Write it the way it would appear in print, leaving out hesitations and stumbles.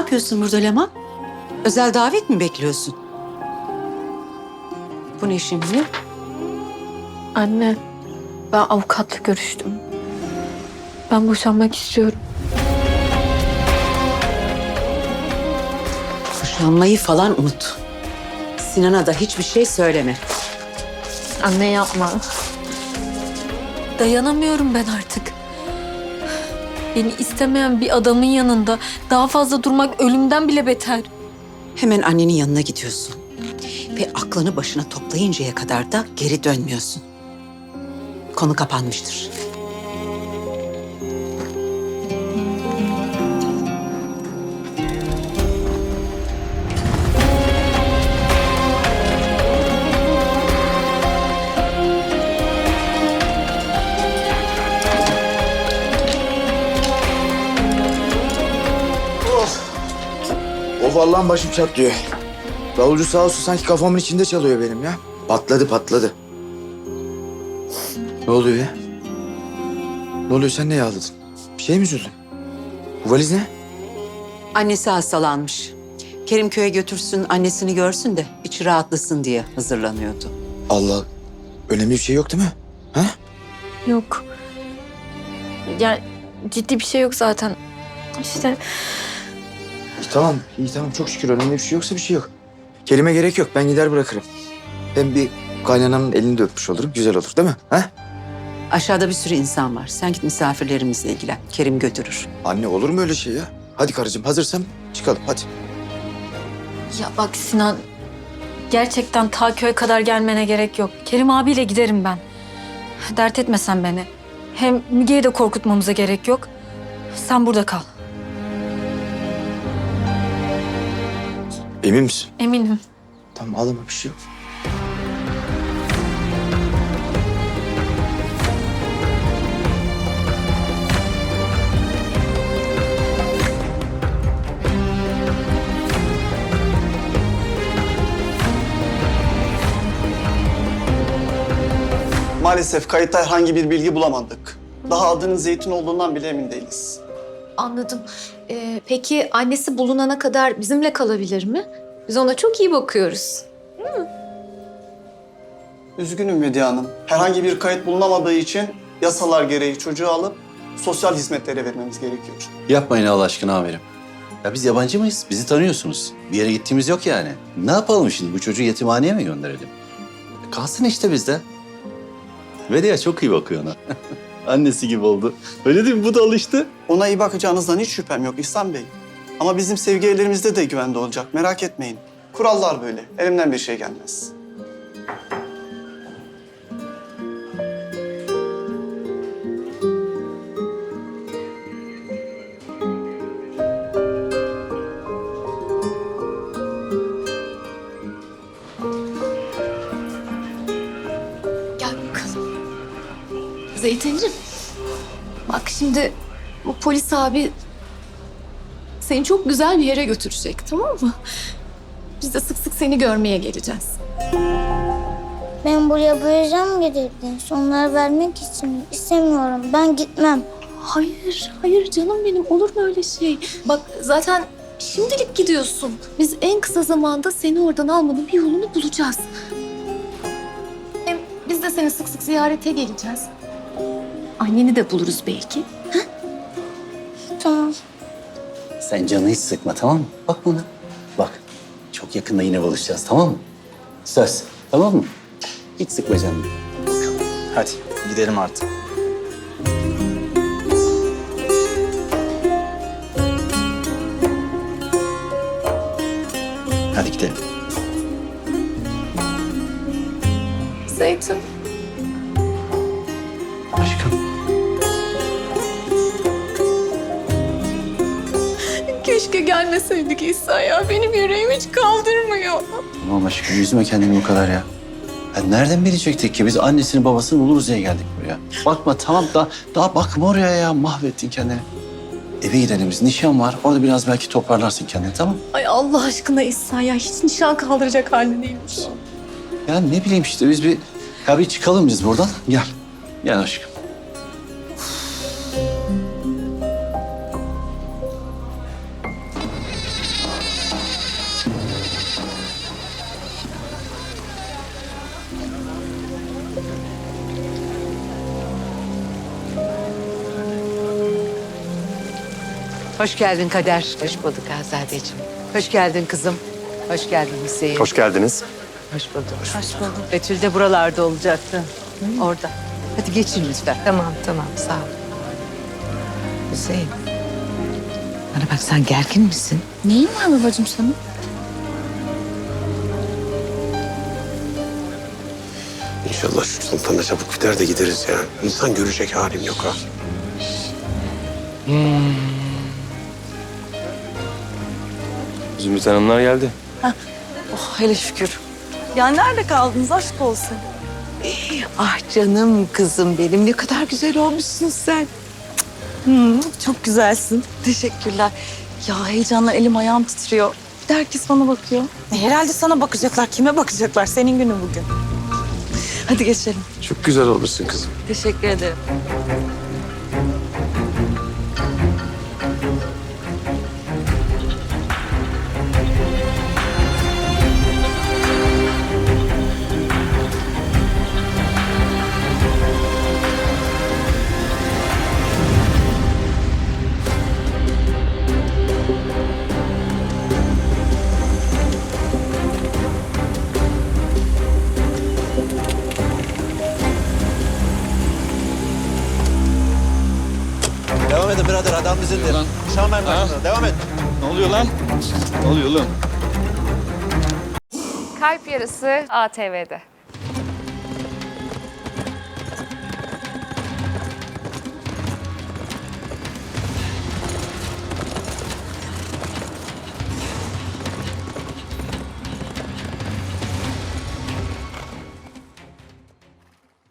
yapıyorsun burada Leman? Özel davet mi bekliyorsun? Bu ne şimdi? Anne, ben avukatla görüştüm. Ben boşanmak istiyorum. Boşanmayı falan unut. Sinan'a da hiçbir şey söyleme. Anne yapma. Dayanamıyorum ben artık. Beni istemeyen bir adamın yanında daha fazla durmak ölümden bile beter. Hemen annenin yanına gidiyorsun. Ve aklını başına toplayıncaya kadar da geri dönmüyorsun. Konu kapanmıştır. Of Allah'ım başım çatlıyor. Davulcu sağ olsun sanki kafamın içinde çalıyor benim ya. Patladı. Ne oluyor ya? Ne oluyor, sen neye ağladın? Bir şey mi üzüldün? Bu valiz ne? Annesi hastalanmış. Kerim köye götürsün, annesini görsün de içi rahatlasın diye hazırlanıyordu. Allah, önemli bir şey yok değil mi? Ha? Yok. Yani ciddi bir şey yok zaten. İşte İyi tamam çok şükür önemli bir şey yoksa bir şey yok. Kerime gerek yok, ben gider bırakırım. Hem bir kaynanamın elini de öpmüş olurum, güzel olur değil mi? Ha? Aşağıda bir sürü insan var. Sen git misafirlerimizle ilgilen. Kerim götürür. Anne olur mu öyle şey ya? Hadi karıcığım hazırsam çıkalım hadi. ya bak Sinan, gerçekten ta köye kadar gelmene gerek yok. Kerim abiyle giderim ben. Dert etme sen beni. Hem Müge'yi de korkutmamıza gerek yok. Sen burada kal. Emin misin? Eminim. Tamam ağlama, bir şey yok. Maalesef kayıtta herhangi bir bilgi bulamadık. Daha adının Zeytin olduğundan bile emin değiliz. Anladım. Peki annesi bulunana kadar bizimle kalabilir mi? Biz ona çok iyi bakıyoruz. Üzgünüm Medya Hanım. Herhangi bir kayıt bulunamadığı için yasalar gereği çocuğu alıp sosyal hizmetlere vermemiz gerekiyor. Yapmayın Allah aşkına amirim. Ya biz yabancı mıyız? Bizi tanıyorsunuz. Bir yere gittiğimiz yok yani. Ne yapalım şimdi? Bu çocuğu yetimhaneye mi gönderelim? Kalsın işte bizde. Vedia çok iyi bakıyor ona. Annesi gibi oldu. Öyle değil mi? Bu da alıştı. Ona iyi bakacağınızdan hiç şüphem yok İhsan Bey. Ama bizim sevgi evlerimizde de güvende olacak. Merak etmeyin. Kurallar böyle. Elimden bir şey gelmez. Gel bakalım. Zeytincim. Bak şimdi bu polis abi seni çok güzel bir yere götürecek, tamam mı? Biz de sık sık seni görmeye geleceğiz. Ben buraya bu yüzden mi getirdin? Onları vermek için istemiyorum. Ben gitmem. Hayır canım benim. Olur mu öyle şey? Bak zaten şimdilik gidiyorsun. Biz en kısa zamanda seni oradan almanın bir yolunu bulacağız. Hem biz de seni sık sık ziyarete geleceğiz. Anneni de buluruz belki. Tamam. Sen canını hiç sıkma, tamam mı? Bak bana. Bak. Çok yakında yine buluşacağız, tamam mı? Söz. Tamam mı? Hiç sıkma canını. Hadi gidelim artık. Hadi gidelim. Zeytin. Aşkım. Keşke gelmeseydik İhsan ya. Benim yüreğim hiç kaldırmıyor. Tamam aşkım, üzme kendini bu kadar ya. Ya nereden bilecektik ki? Biz annesini babasını buluruz diye geldik buraya. Bakma tamam, daha bakma oraya ya. Mahvettin kendini. Eve gidelim biz. Nişan var. Orada biraz belki toparlarsın kendini, tamam? Ay Allah aşkına İhsan ya. Hiç nişan kaldıracak halde değilmiş. Ya ne bileyim işte biz bir çıkalım biz buradan. Gel. Gel aşkım. Hoş geldin Kader. Hoş bulduk Azadeciğim. Hoş geldin kızım. Hoş geldin Hüseyin. Hoş geldiniz. Hoş bulduk. Hoş bulduk. Betül de buralarda olacaktı. Orada. Hadi geçin lütfen. Tamam, sağ ol. Hüseyin. Bana bak, sen gergin misin? Neyin var babacığım senin? İnşallah şu sultana çabuk biter de gideriz ya. İnsan görecek halim yok ha. Zümrüt Hanımlar geldi. Oh hele şükür. Ya nerede kaldınız aşk olsun? Ah canım kızım benim. Ne kadar güzel olmuşsun sen. Çok güzelsin. Teşekkürler. Ya heyecanla elim ayağım titriyor. Bir de herkes bana bakıyor. Herhalde sana bakacaklar. Kime bakacaklar? Senin günün bugün. Hadi geçelim. Çok güzel olmuşsun kızım. Teşekkür ederim. Devam edin birader, adam bizimdir. Şamen başına, devam et. Ne oluyor lan? Ne oluyor lan? Kalp Yarısı ATV'de.